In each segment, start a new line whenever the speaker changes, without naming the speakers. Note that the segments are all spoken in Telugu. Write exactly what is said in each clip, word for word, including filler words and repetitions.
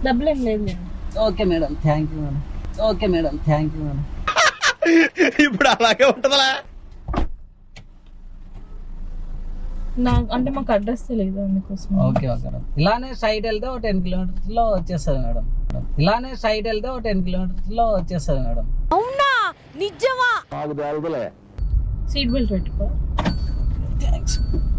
డబ్బులు ఏం లేదు.
Okay madam, thank you madam. Okay madam, thank you madam.
ఇప్పుడు అలాగే ఉంటుందా?
నాకు అంటే మాకు అడ్రస్ తెలియదు అందుకోసం.
Okay okay madam. ఇలానే సైడ్ వెళ్తే ఒక టెన్ కిలోమీటర్స్ లో వచ్చేస్తుంది మేడం. ఇలానే సైడ్ వెళ్తే ఒక టెన్ కిలోమీటర్స్ లో వచ్చేస్తుంది మేడం.
అవునా? నిజమా?
సీట్ బెల్ట్ పెట్టుకో.
థ్యాంక్స్.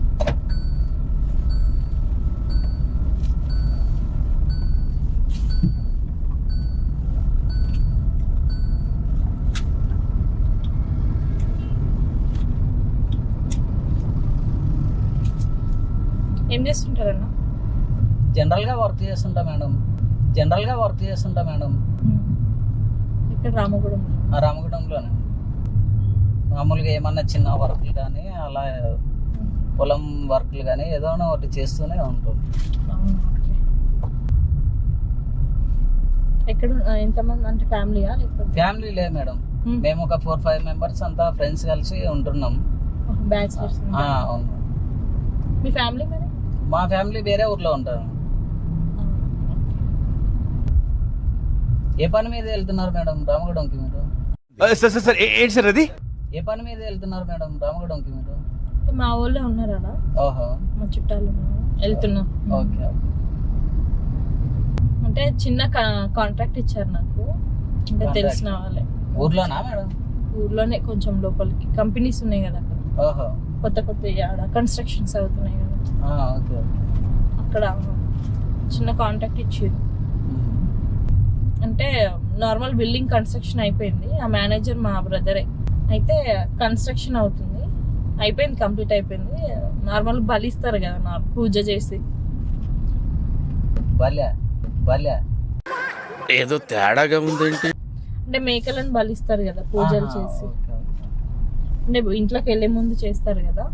ఏం చేస్తుంటారన్నా?
జనరల్ గా వర్క్ చేస్తుంటా మేడం. జనరల్ గా వర్క్ చేస్తుంటా మేడం.
ఇక్కడ రామగూడెం.
ఆ రామగుడంలోనే మామూలుగా ఏమన్నా చిన్న వర్క్లు కానీ అలా పొలం వర్క్లు కానీ ఏదో ఒకటి చేస్తూనే ఉంటాం.
ఎక్కడ ఎంతమంది అంటే ఫ్యామిలీయా లేకపోతే?
ఫ్యామిలీ లేదు మేడం, మేము ఒక ఫోర్ ఫైవ్ మెంబర్స్ అంతా ఫ్రెండ్స్ కలిసి ఉంటున్నాం.
బ్యాచిలర్స్.
అవును.
మీ ఫ్యామిలీ మరి?
మా ఫ్యామిలీ వేరే ఊర్లో ఉంటారు. ఏ పని మీద వెళ్తున్నారు మేడం రామగుడంకి మీరు?
సార్ సార్ సార్ ఏంటి సార్ అది?
ఏ పని మీద వెళ్తున్నారు మేడం రామగుడంకి మీరు?
మా ఊళ్ళో ఉన్నారా?
ఓహో,
మా చుట్టాలు వెళ్తున్నా.
Okay okay.
అంటే చిన్న కాంట్రాక్ట్ ఇచ్చారు నాకు, అంటే తెలిసిన వాళ్ళే.
ఊర్లోనా మేడం?
ఊర్లోనే కొంచెం లోపలికి కంపెనీస్ ఉన్నాయి కదా అక్కడ.
ఓహో,
కొత్త కొత్త ఆడ కన్స్ట్రక్షన్స్ అవుతున్నాయి కదా,
ఓకే ఓకే.
అక్కడ చిన్న కాంట్రాక్ట్ ఇచ్చారు. అంటే నార్మల్ బిల్డింగ్ కన్స్ట్రక్షన్ అయిపోయింది. ఆ మేనేజర్ మా బ్రదరే. అయితే కన్స్ట్రక్షన్ అవుతుంది, అయిపోయింది, కంప్లీట్ అయిపోయింది. నార్మల్ బలిస్తారు కదా నా పూజ చేసి.
బల్యా బల్యా
ఏదో తేడాగా ఉందేంటి?
అంటే మేకలను బలిస్తారు కదా పూజలు చేసి. అంటే ఇంట్లోకి వెళ్ళే ముందు చేస్తారు కదా,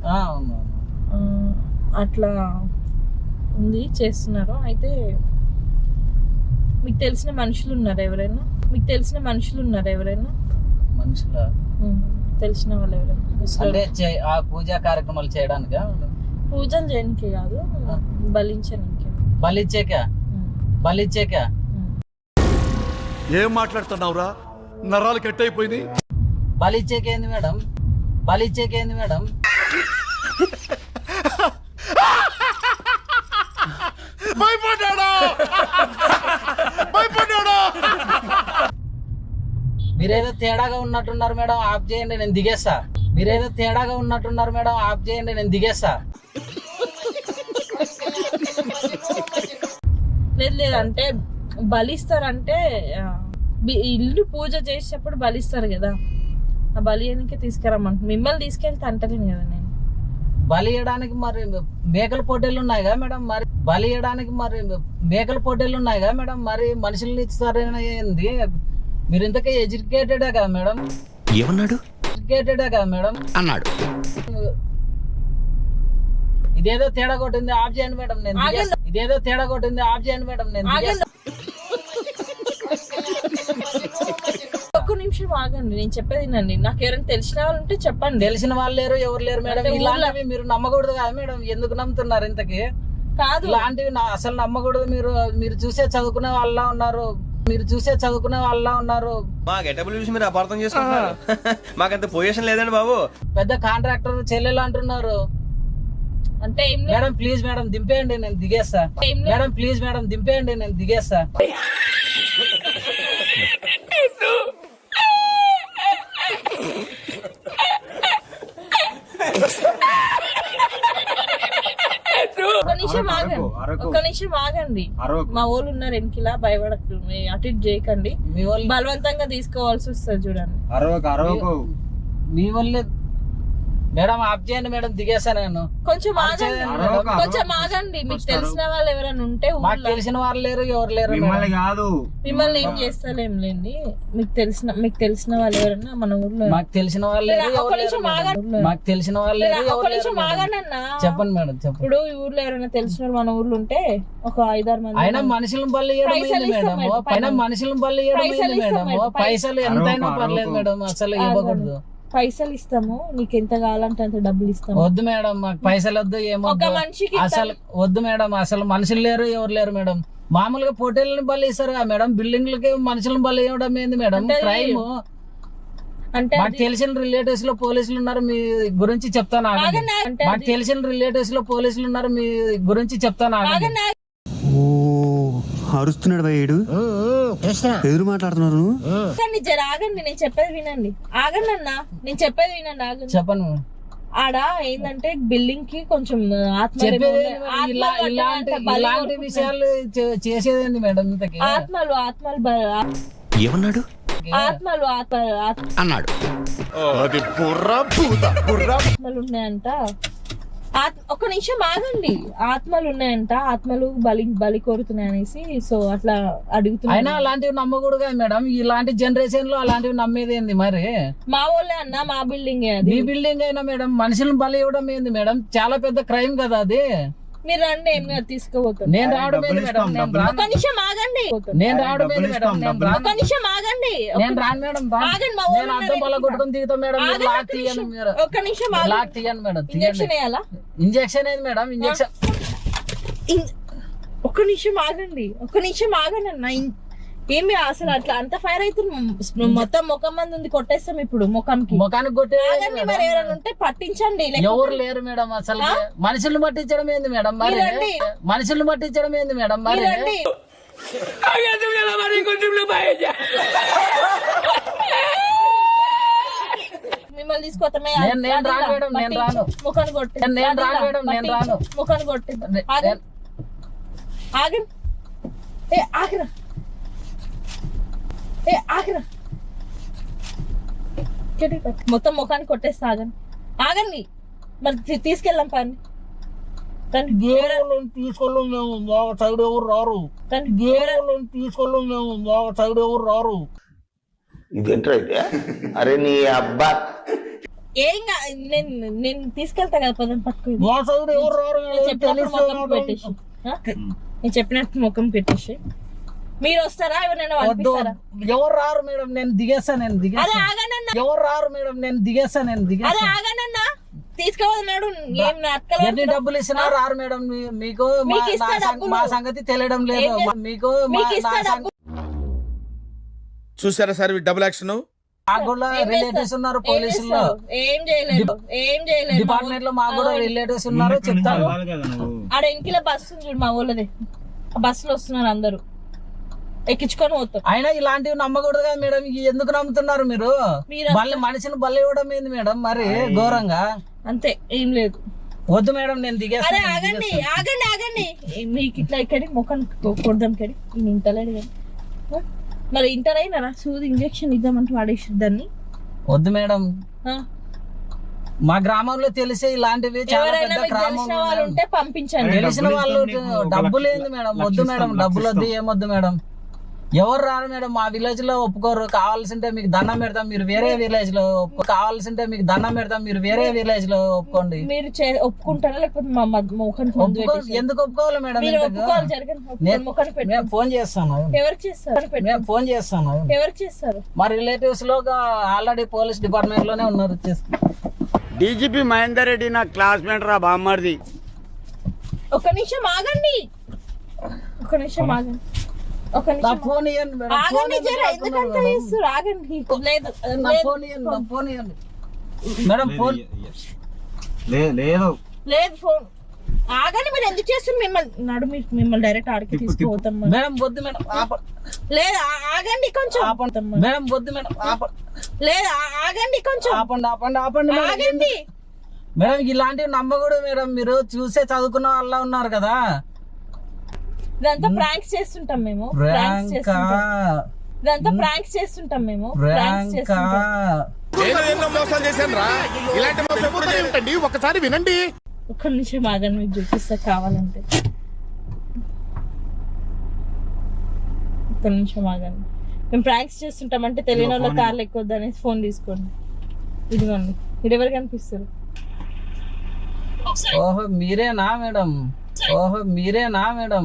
అట్లా ఉంది, చేస్తున్నారు. అయితే మీకు తెలిసిన మనుషులు ఉన్నారు ఎవరైనా? మీకు తెలిసిన మనుషులు ఉన్నారు ఎవరైనా?
మనుషుల
తెలిసిన వాళ్ళు ఎవరైనా?
అంటే ఆ పూజా కార్యక్రమాలు చేయడానికా?
పూజలు చేయడానికి కాదు, బలించడానికి.
బలిచ్చాక బలిచ్చాక
ఏం మాట్లాడుతున్నావురా? నరాలు కట్ అయిపోయింది.
బలిచ్చాకేంది మేడం? బలిచ్చాకేంది మేడం? మీరేదో తేడాగా ఉన్నట్టున్నారు మేడం, ఆఫ్ చేయండి, నేను దిగేస్తా. మీరేదో తేడాగా ఉన్నట్టున్నారు మేడం, ఆఫ్ చేయండి, నేను దిగేస్తా.
లేదు లేదు, అంటే బలిస్తారంటే ఇల్లు పూజ చేసేటప్పుడు బలిస్తారు కదా, ఆ బలి అనికి తీసుకురమ్మంట. మిమ్మల్ని తీసుకెళ్తే అంటలేను కదా నేను.
బలి ఇవ్వడానికి మరి మేకల పోటీలు ఉన్నాయి కదా మేడం, మరి బలి ఇవ్వడానికి మరి మేకల పోటీలు ఉన్నాయి కదా మేడం, మరి మనుషుల్ని ఇస్తారేంది? మీరు ఇంతకీ ఎడ్యుకేటెడే కదా మేడం?
ఏమన్నాడు?
ఎడ్యుకేటెడే కదా మేడం
అన్నాడు.
ఇదేదో తేడా కొట్టింది, ఆఫ్ చేయండి మేడం, నేను ఇదేదో తేడా కొట్టింది, ఆఫ్ చేయండి మేడం, నేను
ఒక్క నిమిషం ఆగండి, నేను చెప్పేది నండి. నాకు ఎవరైనా తెలిసిన వాళ్ళు ఉంటే చెప్పండి.
తెలిసిన వాళ్ళు లేరు, ఎవరు లేరు మేడం. ఇలాంటివి మీరు నమ్మకూడదు కదా మేడం, ఎందుకు నమ్ముతున్నారు ఇంతకి?
కాదు,
ఇలాంటివి అసలు నమ్మకూడదు. మీరు మీరు చూసే చదువుకునే వాళ్ళ ఉన్నారు, మీరు చూసే చదువుకునే వాళ్ళ ఉన్నారు.
మా గెటబుల్ చూసి మీరు అపార్థం చేసుకుంటున్నారు. మాకంత పొజిషన్ లేదండి బాబు.
పెద్ద కాంట్రాక్టర్ చెల్లెలు అంటున్నారు.
అంటే
మేడం ప్లీజ్ మేడం దింపేయండి, నేను దిగేస్తా. మేడం ప్లీజ్ మేడం దింపేయండి, నేను దిగేస్తా.
ఒక నిమిషం ఆగండి, ఒక నిమిషం ఆగండి. మా వాళ్ళు ఉన్నారు వెనకిలా, భయపడకు, అటు ఇటు చేయకండి. బలవంతంగా తీసుకోవాల్సి వస్తుంది చూడండి.
మీ వల్లే మేడం, ఆఫ్ చేయండి మేడం, దిగేస్తా నేను.
కొంచెం ఆగండి, కొంచెం ఆగండి. మీకు తెలిసిన వాళ్ళు ఎవరైనా ఉంటే,
మాకు తెలిసిన వాళ్ళు లేరు, ఎవరు లేరు.
మిమ్మల్ని కాదు,
మిమ్మల్ని ఏం చేస్తాలేం లేండి. మీకు తెలిసిన మీకు తెలిసిన వాళ్ళు ఎవరైనా మన ఊర్లో?
మాకు తెలిసిన వాళ్ళు
ఒక నిమిషం ఆగండి,
మాకు తెలిసిన వాళ్ళు
ఒక నిమిషం ఆగండి అన్న.
చెప్పండి మేడం, చెప్పండి.
ఇప్పుడు ఈ ఊర్లో ఎవరైనా తెలిసిన మన ఊర్లో ఉంటే ఒక ఐదారు మంది.
అయినా మనుషులను బలి మేడం, అయినా మనుషులను బలి మేడం. పైసలు ఎంతైనా పర్లేదు మేడం, అసలు ఇవ్వకూడదు.
పైసలు ఇస్తాము, నీకు ఎంత కావాలంటే అంత డబ్బులు ఇస్తాము.
వద్దు మేడం, మాకు పైసలు వద్దు, ఏమో
ఒక మనిషికి
అసలు వద్దు మేడం. అసలు మనుషులు లేరు, ఎవరు లేరు మేడం. మామూలుగా పోటీలను బలి ఇస్తారు కదా మేడం, బిల్డింగ్లకి మనుషులను బలి ఇవ్వడం ఏంది మేడం
అంటే అది-
క్రైమ్?
అంటే
మాకు తెలిసిన రిలేటివ్స్ లో పోలీసులు ఉన్నారు, మీ గురించి చెప్తాను ఆగండి.
ఆగండి, అంటే
మాకు తెలిసిన రిలేటివ్స్ లో పోలీసులు ఉన్నారు, మీ గురించి చెప్తాను ఆగండి.
ఆగండి,
ఓ అరుస్తున్నాడు భయ్యుడు, ఎదురు మాట్లాడుతున్నారు నువ్వు.
ఆగండి, జర ఆగండి, నేను చెప్పేది వినండి. ఆగండి అన్న, నేను చెప్పేది వినండి. ఆగండి.
చెప్పను
ఆడ ఏంటంటే బిల్డింగ్ కి కొంచెం ఆత్మ
చెప్పేది ఇలా ఇలాంటి ఇలాంటి విషయాలు చే- చేసేదేంది మేడం ఇంతకి?
ఆత్మలు ఆత్మలు బ-
ఏమన్నాడు
ఆత్మలు ఆత్మ ఆత్మ-
అన్నాడు.
ఆత్మలు ఉన్నాయంట. ఆత్- ఒక నిమిషం ఆగండి. ఆత్మలు ఉన్నాయంట, ఆత్మలు బలి బలి కోరుతున్నాయి అనేసి సో అట్లా అడుగుతున్నా.
అయినా అలాంటివి నమ్మకూడదు కదా మేడం, ఇలాంటి జనరేషన్ లో అలాంటివి నమ్మేది ఏంది మరి?
మా వాళ్ళే అన్న, మా బిల్డింగ్ అది.
మీ బిల్డింగ్ అయినా మేడం మనుషులను బలి ఇవ్వడం ఏంది మేడం? చాలా పెద్ద క్రైమ్ కదా అది.
మీరు రండి, ఏం కాదు, తీసుకుపోతాను.
నేను రావడం ఏంది మేడం? నేను రాను.
ఒక నిమిషం ఆగండి.
నేను రావడం ఏంది మేడం? నేను రాను.
ఒక నిమిషం ఆగండి.
నేను రాను మేడం, రాను.
ఆగండి, మా
నేను అర్థం
ఊరు
వల్ల కొట్టుకుని దిగుతాం మేడం, మీరు
ఆగండి,
లాక్
ఒక్క
తీయండి.
నిమిషం.
మీరు
ఒక్క నిమిషం ఆగండి.
లాక్ తీయండి మేడం,
ఇంజక్షన్
తీయండి.
వేయాలా?
ఇంజక్షన్ ఏంది మేడం? ఇంజక్షన్
ఇన్- ఒక్క నిమిషం ఆగండి, ఒక్క నిమిషం ఆగండి అన్న. ఇన్- ఏమి అసలు అట్లా అంత ఫైర్ అవుతుంది, మొత్తం ముఖం మంది ఉంది, కొట్టేస్తాం ఇప్పుడు ముఖంకి.
ముఖానికి కొట్టే
ఆగండి, మరి ఎవరైనా ఉంటే పట్టించండి. లేకపోతే-
ఎవరు లేరు మేడం అసలు. మనుషులను పట్టించడం ఏంది మేడం మరి?
మీరు రండి.
మనుషులను పట్టించడం ఏంది మేడం మరి?
మీరు రండి. మిమ్మల్ని తీసుకొస్తామే.
నేను- నేను రాను మేడం, నేను రాను.
ముఖాన్ని కొట్టి
నేను- నేను రాను మేడం, నేను రాను.
ముఖాన్ని కొట్టి ఆగండి, ఆగండి. ఏ ఆగరా, ఏ ఆగరా. కెటిల్ పెట్టు. మొత్తం ముఖాన్ని కొట్టేస్తా. ఆగండి, ఆగండి. మరి తీ- తీసుకెళ్ళాం పని. రండి.
తీసుకెళ్ళం మేము, మా సైడ్ ఎవరు రారు.
రండి.
తీసుకెళ్ళం మేము, మా సైడ్ ఎవరు రారు.
ఇదేంట్రా అయితే? అరే నీ అబ్బా
ఏం కా- నేను నేను తీసుకెళ్తా కదా, పదం పట్టుకుని.
మా సైడ్ ఎవరు రారు.
నేను చెప్పినప్పుడు ముఖం పెట్టేసి ఆ? నేను చెప్పినట్టు ముఖం పెట్టేసి మీరు వస్తారా? ఎవరైనా
వద్దు,
పంపిస్తారా?
ఎవరు రారు మేడం, నేను దిగేస్తా, నేను
అదే
దిగేస్తా.
ఆగనన్నా,
ఎవరు రారు మేడం, నేను దిగేస్తా, నేను
అదే
దిగేస్తా.
ఆగనన్నా. తీసుకోవద్దు ఏం నాటకాలు
ఎన్ని
ఆడుతున్నావు?
డబ్బులు ఇచ్చినా రారు మేడం. మీ- మీకు మా-
మీకు ఇస్తా
నా సం-
డబ్బులు.
మా సంగతి తెలియడం లేదు.
ఏం చేస్తా?
మీకు మా-
మీకు
నా
ఇస్తా
సంగ-
డబ్బులు.
చూసారా సార్ డబుల్ యాక్షన్.
మాకు కూడా
ఏం
రిలేటివ్స్
చేస్తారు?
ఉన్నారు
ఏం
పోలీసుల్లో.
చేస్తారు? ఏం చేయలేదు, ఏం చేయలేదు.
డిపార్ట్మెంట్ లో మాకు కూడా రిలేటివ్స్ ఉన్నారు, చెప్తాను.
ఆడ ఇంకిలో బస్సు ఉంది చూడు, మా ఊళ్ళది. ఆ బస్సులో వస్తున్నారు అందరూ, ఎక్కించుకొని పోతాం.
అయినా ఇలాంటివి నమ్మకూడదు కదా మేడం. ఇవి ఎందుకు నమ్ముతున్నారు మీరు?
మీరు
మళ్ళీ మనిషిని బలి ఇవ్వడం ఏంది మేడం మరి ఘోరంగా?
అంతే, ఏం లేదు.
వద్దు మేడం, నేను
అరే
దిగేస్తాను.
ఆగండి, ఆగండి, ఆగండి. మీకు ఇట్లా ఇక్కడి ముఖం కొడదాం కడి. ఈయన ఇంటలేడు కదా. ఆ? మరి ఇంటర్ అయినారా? సూది ఇంజక్షన్ ఇద్దామంటే వాడేసి దాన్ని.
వద్దు మేడం,
ఆ?
మా గ్రామంలో తెలిసే ఇలాంటివి చాలా
ఎవరైనా
పెద్ద
మీకు
గ్రామం
తెలిసిన వాళ్ళు
మేడం.
ఉంటే పంపించండి.
తెలిసిన వాళ్ళు డబ్బులు ఏంది మేడం? వద్దు మేడం, డబ్బులు వద్దు, ఏమొద్దు మేడం. ఎవరు రారు మేడం, మా విలేజ్ లో ఒప్పుకోరు. కావాల్సింటే మీకు దండం పెడతాం, మీరు వేరే విలేజ్ లో ఒప్పుకో. కావాల్సింటే మీకు దండం పెడతాం, మీరు వేరే విలేజ్ లో ఒప్పుకోండి.
మీరు చే- ఒప్పుకుంటారా? లేకపోతే మా మద్- ముఖానికి మందు
ఒప్పుకో-
పెట్టేసి-
ఎందుకు ఒప్పుకోవాలి మేడం?
మీరు
ఇంతకు?
ఒప్పుకోవాలి, జరగండి. ఒప్పుకోండి,
నేను-
ముఖానికి పెట్టు.
నేను ఫోన్ చేస్తాను,
ఎవరికి చేస్తారు? పెట్టు.
నేను ఫోన్ చేస్తాను.
ఎవరికి చేస్తారు?
మా రిలేటివ్స్ లో ఆల్రెడీ పోలీస్ డిపార్ట్మెంట్ లోనే ఉన్నారు. వచ్చేసి
డీజీపీ మహేందర్ రెడ్డి నా క్లాస్మేట్ రా బామ్మర్ది.
ఒక నిమిషం ఆగండి, ఒక నిమిషం ఆగండి, ఒక
నా
నిమిషం
ఫోన్ ఇవ్వండి మేడం. ఫోన్
ఆగండి.
ఎందుకు
జర ఎందుకంత
లాక్కున్నారు మేడం?
చేస్తారు? ఆగండి. లేదు,
నా
లేదు.
ఫోన్ ఇవ్వండి, నా ఫోన్ ఇవ్వండి మేడం. ఫోన్
లేదు
లేదు, ఫోన్ ఆగండి. మీరు ఎందుకు చేస్తారు? మిమ్మల్ని నడు, మీ- మిమ్మల్ని డైరెక్ట్ ఆడికి తీసుకుపోతాం మనం.
మేడం వద్దు మేడం, ఆప-
లేదు, ఆ- ఆగండి కొంచెం.
ఆపండి మేడం, వద్దు మేడం, ఆప-
లేదు, ఆ- ఆగండి కొంచెం.
ఆపండి ఆపండి ఆపండి మేడం.
ఆగండి.
మేడం ఇలాంటివి నమ్మకూడదు మేడం. మీరు చూసే చదువుకున్న వాళ్ళ ఉన్నారు కదా.
ఇదంతా ప్రాంక్స్ చేస్తుంటాం మేము. ప్రాంక్స్
ర్యాంకా
చేస్తుంటాం. ఇదంతా ప్రాంక్స్ చేస్తుంటాం మేము. ప్రాంక్స్
ర్యాంకా
చేస్తుంటాం.
ఎన్నో మోసాలు చేశాను రా. ఇలాంటి మోసం ఎప్పుడు చేయకండి. ఒకసారి వినండి.
ఒక్క నిమిషం ఆగండి, మీకు చూపిస్తా కావాలంటే. ఒక్క నిమిషం ఆగండి. మేము ప్రాంక్స్ చేస్తుంటాం అంటే తెలియని వాళ్ళ కార్లు ఎక్కొద్దు అనేసి ఫోన్ తీసుకోండి. ఇదిగోండి, మీరు ఎవరు కనిపిస్తారు?
ఓహో మీరేనా మేడం? ఓహో మీరేనా మేడం?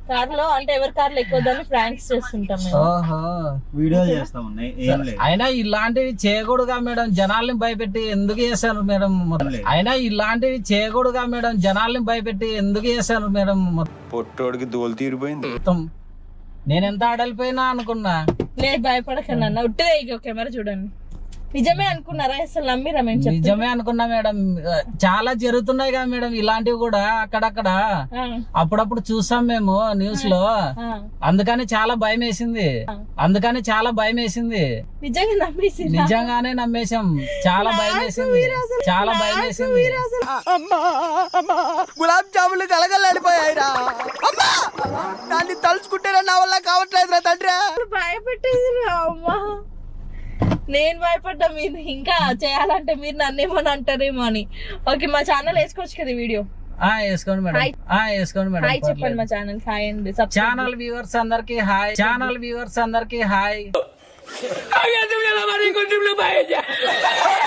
కార్ లో అంటే ఎవరి కార్లో ఎక్కువ దాన్ని ప్రాంక్స్ చేస్తుంటాం మేము.
ఓహో
వీడియో చేస్తాం ఏం లేదు.
అయినా ఇలాంటివి చేయకూడదుగా మేడం, జనాల్ని భయపెట్టి ఎందుకు చేశారు మేడం? అయినా ఇలాంటివి చేయకూడదుగా మేడం, జనాల్ని భయపెట్టి ఎందుకు చేశారు మేడం?
పొట్టోడికి దోలు తీరిపోయింది.
మొత్తం నేను ఎంత ఆడలిపోయినా అనుకున్నా.
లేదు భయపడకండి అన్న, ఉట్టిదే ఇక కెమెరా చూడండి. నిజమే అనుకున్నారా? అసలు నమ్మిరా మేము చెప్తే?
నిజమే అనుకున్నా మేడం. చాలా జరుగుతున్నాయి కదా మేడం ఇలాంటివి కూడా అక్కడక్కడ,
ఆ,
అప్పుడప్పుడు చూసాం మేము న్యూస్ లో.
ఆ.
అందుకని చాలా భయం వేసింది, అందుకని చాలా భయం వేసింది.
నిజంగా నమ్మేసి
నిజంగానే నమ్మేశాం. చాలా భయం వేసింది, చాలా భయం వేసింది.
గులాబ్ జాములు కలగలాడిపోయాయిరా. అమ్మా దాన్ని తలుచుకుంటే నా వల్ల కావట్లేదురా తండ్రి.
భయపెట్టేది అమ్మా. నేను భయపడ్డా, మీరు ఇంకా చేయాలంటే మీరు నన్నేమని అంటారేమో అని. ఓకే, మా ఛానల్ వేసుకోవచ్చు కదా వీడియో.
ఆ వేసుకోండి మేడం, ఆ వేసుకోండి మేడం.
హాయ్ చెప్పండి మా ఛానల్. హాయ్ అండి.
ఛానల్ వ్యూవర్స్ అందరికి హాయ్, ఛానల్ వ్యూవర్స్ అందరికి హాయ్.